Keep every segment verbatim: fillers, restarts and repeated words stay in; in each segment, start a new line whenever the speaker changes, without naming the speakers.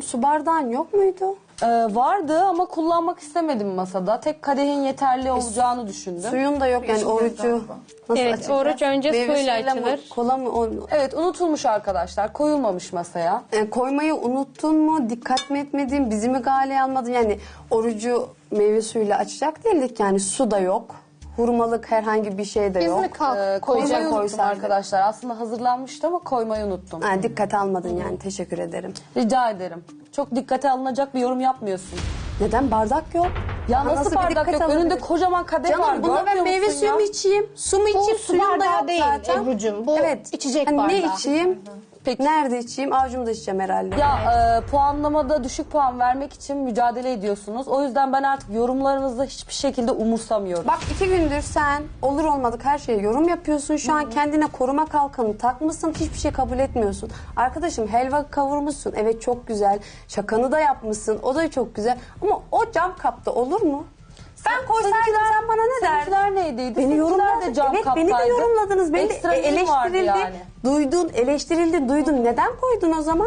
su bardağın yok muydu?
Ee, vardı ama kullanmak istemedim masada. Tek kadehin yeterli olacağını düşündüm.
Suyun da yok yani orucu. Nasıl
Evet,
açacağız?
oruç önce
Meyve
suyla
suyuyla mı,
açılır.
kola mı? O-
Evet, unutulmuş arkadaşlar. Koyulmamış masaya.
E, koymayı unuttun mu? Dikkat mi etmedin? Bizi mi galeye almadın? Yani orucu meyve suyuyla açacak değildik yani su da yok. Hurmalık herhangi bir şey de
Biz
yok.
mi kalk
Ee,
koymayı
koymayı unuttum
koysaydık.
arkadaşlar. Aslında hazırlanmıştı ama koymayı unuttum.
Ha, dikkat almadın yani teşekkür ederim.
Rica ederim. Çok dikkate alınacak bir yorum yapmıyorsun.
Neden? Bardak yok.
Ya
Daha
nasıl
bir
bardak
dikkat
yok?
alınabilir?
Önünde kocaman kadeh var.
Canım buna ben
görmüyor
meyve
musun
suyu
ya?
mu içeyim? Su mu içeyim?
su
Suyum da
bardağı
yok
değil
zaten.
Ebru'cum. Bu içecek
Hani ne
bardağı.
içeyim?
Peki.
Nerede içeyim? Avucumda içeceğim herhalde.
Ya e, puanlamada düşük puan vermek için mücadele ediyorsunuz. O yüzden ben artık yorumlarınızı hiçbir şekilde umursamıyorum.
Bak iki gündür sen olur olmadık her şeye yorum yapıyorsun. Şu an kendine koruma kalkanı takmışsın. Hiçbir şey kabul etmiyorsun. Arkadaşım helva kavurmuşsun. Evet çok güzel. Şakanı da yapmışsın. O da çok güzel. Ama o cam kapta olur mu? Ben koysaydım sen bana ne derdin?
Seninkiler neydiydi?
Beni
Seninkiler
yorumladın.
de cam
Evet
kaptaydı.
beni de yorumladınız. Beni de
Ekstra dilim vardı
eleştirildi.
yani.
Duydun, eleştirildi, duydun. Neden koydun o zaman?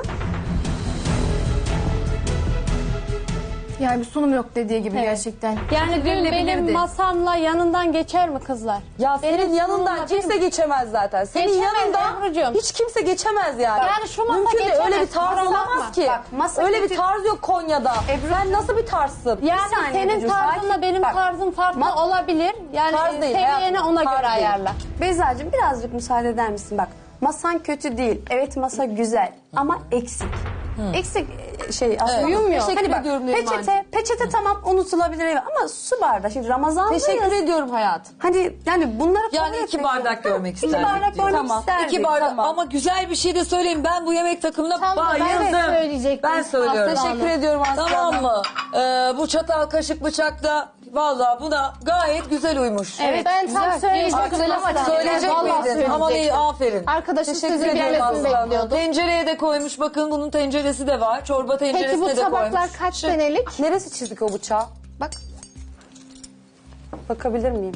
Yani bir sunum yok dediği gibi gerçekten.
Yani dün benim
Verilebilirdi.
masamla yanından geçer mi kızlar?
Ya senin
Benim
yanından
sunumla
kimse
benim-
geçemez zaten. Senin
Geçemez
yanından
Ebru'cum.
hiç kimse geçemez yani.
Yani şu masa
Mümkün değil.
geçemez,
Öyle bir tarz
kusura
olamaz
bakma.
ki.
Bak, masa
Öyle
kötü-
bir tarz yok Konya'da. Sen nasıl bir tarzsın?
Yani
saniye
senin
Ebru'cum,
tarzınla
sakin.
benim
Bak,
tarzım farklı
ma-
olabilir. Yani
Tarz
e,
değil,
seviyene
hayatım,
ona
tarz
göre
değil.
ayarla.
Beyza'cığım birazcık müsaade eder misin? Bak masan kötü değil. Evet masa güzel ama eksik. Eksik e, şey aslında.
Uyumuyor.
Hani
Teşekkür
bak,
ediyorum
peçete,
Nerimancığım.
peçete tamam unutulabilir evet. Ama su bardağı. Şimdi Ramazan'dayız.
Teşekkür ediyorum hayatım.
Hani yani bunları
Yani
kabul
iki
etmek
bardak
lazım.
görmek
İki
isterdik
bardak
diyor.
görmek
Tamam.
isterdik.
İki bardak
Tamam.
ama güzel bir şey de söyleyeyim. Ben bu yemek takımına
Tam da ben
bayıldım.
de söyleyecektim.
Ben söylüyorum.
Aslı
Teşekkür
Hanım.
ediyorum Aslı
Tamam
Hanım.
mı? Ee, bu çatal kaşık bıçakla valla buna gayet güzel uymuş.
Evet, ben tam
güzel.
söyleyecektim.
Güzel ama
Aslı Hanım.
Söyleyecek
Vallahi
miydin? Aman iyi aferin.
Arkadaşım
Teşekkür
sizin
ediyorum
gelmesini
Aslı Hanım.
bekliyordum.
Tencereye de koymuş. Bakın bunun tenceresi de var. Çorba
Peki bu
tenceresine de
tabaklar
koymuş.
kaç senelik?
Neresi çizdik o bıçağı?
Bak
Bakabilir miyim?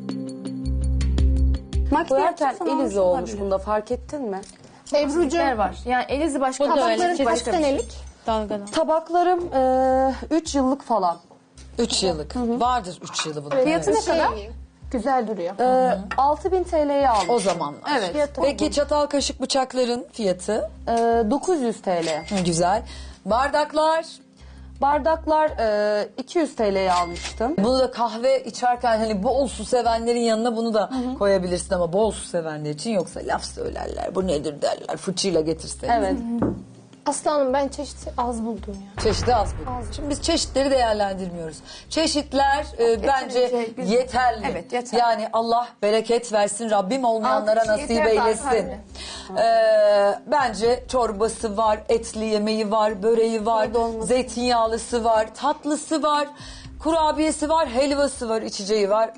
Makine
Koyarken
yapacaksan
el
olmuş
izi olmuş
olabilir.
bunda, fark ettin mi?
Ebru'cum
yer var. Yani elizi başka
bu da öyle.
tabakların
Kaç
başka bir şey.
senelik? Dalgadan.
Tabaklarım üç yıllık falan.
Üç yıllık. Vardır üç yılı bunun.
Fiyatı ne kadar?
Güzel duruyor.
E, altı bin T L'ye aldım.
O zaman.
Evet.
Peki çatal kaşık bıçakların fiyatı?
E, dokuz yüz T L.
Hı, güzel. Bardaklar.
Bardaklar e, iki yüz T L'ye almıştım.
Bunu da kahve içerken hani bol su sevenlerin yanına bunu da koyabilirsin ama bol su sevenler için yoksa laf söylerler. Bu nedir derler. Fıçıyla getirsen.
Evet.
Aslı Hanım ben çeşit az buldum ya.
Çeşitli az bu. Şimdi biz çeşitleri değerlendirmiyoruz. Çeşitler e, bence
Yeterince güzel.
yeterli.
Evet, yeterli.
Yani Allah bereket versin. Rabbim olmayanlara
Altı
nasip
yeter
eylesin.
zaten.
Ee, bence çorbası var, etli yemeği var, böreği var,
Dolması.
zeytinyağlısı var, tatlısı var, kurabiyesi var, helvası var, içeceği var.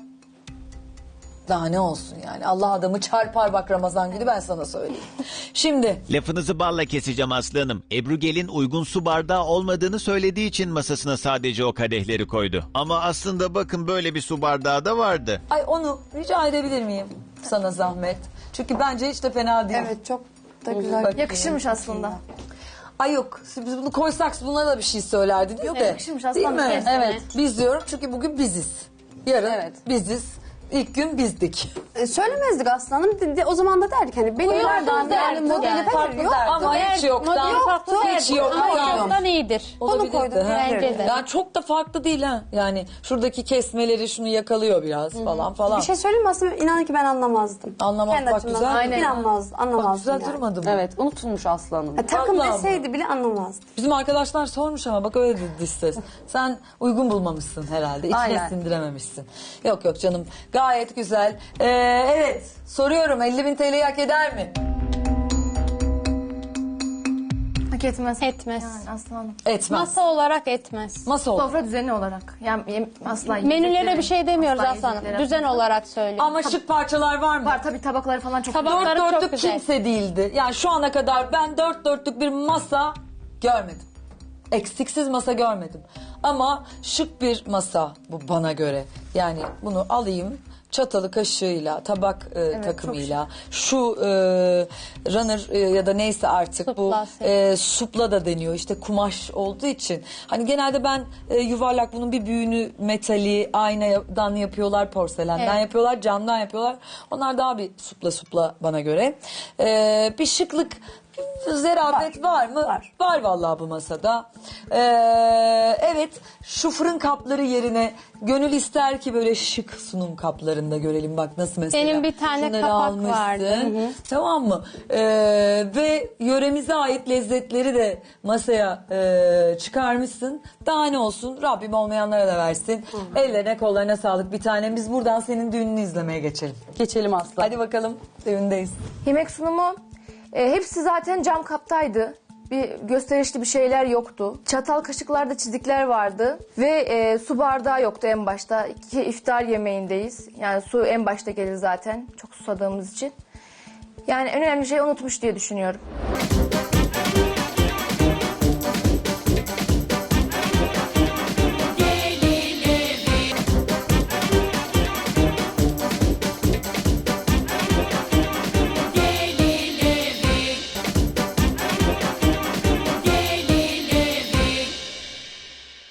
Daha ne olsun yani. Allah adamı çarpar bak Ramazan günü ben sana söyleyeyim. Şimdi
Lafınızı balla keseceğim Aslı Hanım. Ebru Gelin uygun su bardağı olmadığını söylediği için masasına sadece o kadehleri koydu. Ama aslında bakın böyle bir su bardağı da vardı.
ay onu rica edebilir miyim sana zahmet? Çünkü bence hiç de fena değil.
Evet çok da güzel.
Bak-
yakışırmış aslında.
Ay yok biz bunu koysak buna da bir şey söylerdi diyor
Evet,
da.
yakışırmış
Değil
aslında.
mi?
Evet.
Evet. Biz diyorum çünkü bugün biziz. Yarın
Evet.
biziz. İlk gün bizdik.
E, söylemezdik aslanım. De, de- o zaman da derdik hani benim
Koyardım
bardağım yani
derdik
modeli
yani.
falan
Farklı
yok.
derdik.
Ama hiç yoktan.
Modeli farklı
Hiç
değil.
yoktan.
Ama yoktan iyidir.
Olabilirdi,
koydum,
ha.
bence de.
Yani çok da farklı değil ha. Yani şuradaki kesmeleri şunu yakalıyor biraz falan falan.
Bir şey söyleyeyim mi aslında inanın ki ben anlamazdım.
Anlamak
Kendi
bak
açımdan
güzel.
Aynen.
inanmazdım,
Bak
anlamazdım
güzel
yani.
durmadı mı?
Evet, unutulmuş Aslı Hanım.
Ha, takım
Vallahi
deseydi bile anlamazdım.
Bizim arkadaşlar sormuş ama bak öyle dedi ses. Sen uygun bulmamışsın herhalde. İçine
Aynen.
sindirememişsin. Yok yok canım. Gayet güzel. Ee, evet soruyorum elli bin T L'yi hak eder mi?
Hak etmez.
Etmez.
Yani aslanım.
Etmez.
Masa olarak etmez.
Masa olur.
Sofra düzeni olarak. Yani yem- asla
Menülere
yiyecekleri-
bir şey demiyoruz
asla
Aslı Hanım.
yiyecekleri-
Düzen olarak söylüyorum.
Ama şık parçalar var mı?
Var tabii tabakları falan çok
Tabak-
Dört
Tabakları çok
dörtlük
güzel.
kimse değildi. Yani şu ana kadar ben dört dörtlük bir masa görmedim. Eksiksiz masa görmedim. Ama şık bir masa bu bana göre. Yani bunu alayım çatalı kaşığıyla, tabak e, takımıyla, şu e, runner e, ya da neyse artık
Supla,
bu
set.
e, supla da deniyor. İşte kumaş olduğu için. Hani genelde ben e, yuvarlak bunun bir büyüğünü metali, aynadan yapıyorlar, porselenden
Evet.
yapıyorlar, camdan yapıyorlar. Onlar daha bir supla supla bana göre. E, bir şıklık, zerafet var, mı?
var.
Var vallahi bu masada. Ee, evet, şu fırın kapları yerine gönül ister ki böyle şık sunum kaplarında görelim. Bak nasıl mesela.
Benim bir tane
Şunları
kapak
almışsın.
vardı.
Tamam mı? Ee, ve yöremize ait lezzetleri de masaya e, çıkarmışsın. Daha ne olsun? Rabbim olmayanlara da versin. Ellerine kollarına sağlık bir tanem. Biz buradan senin düğününü izlemeye geçelim.
Geçelim Aslı.
Hadi bakalım, düğündeyiz.
Yemek sunumu e, hepsi zaten cam kaptaydı. Bir gösterişli bir şeyler yoktu. Çatal kaşıklarda çizikler vardı ve e, su bardağı yoktu en başta. İki iftar yemeğindeyiz. Yani su en başta gelir zaten çok susadığımız için. Yani en önemli şeyi unutmuş diye düşünüyorum.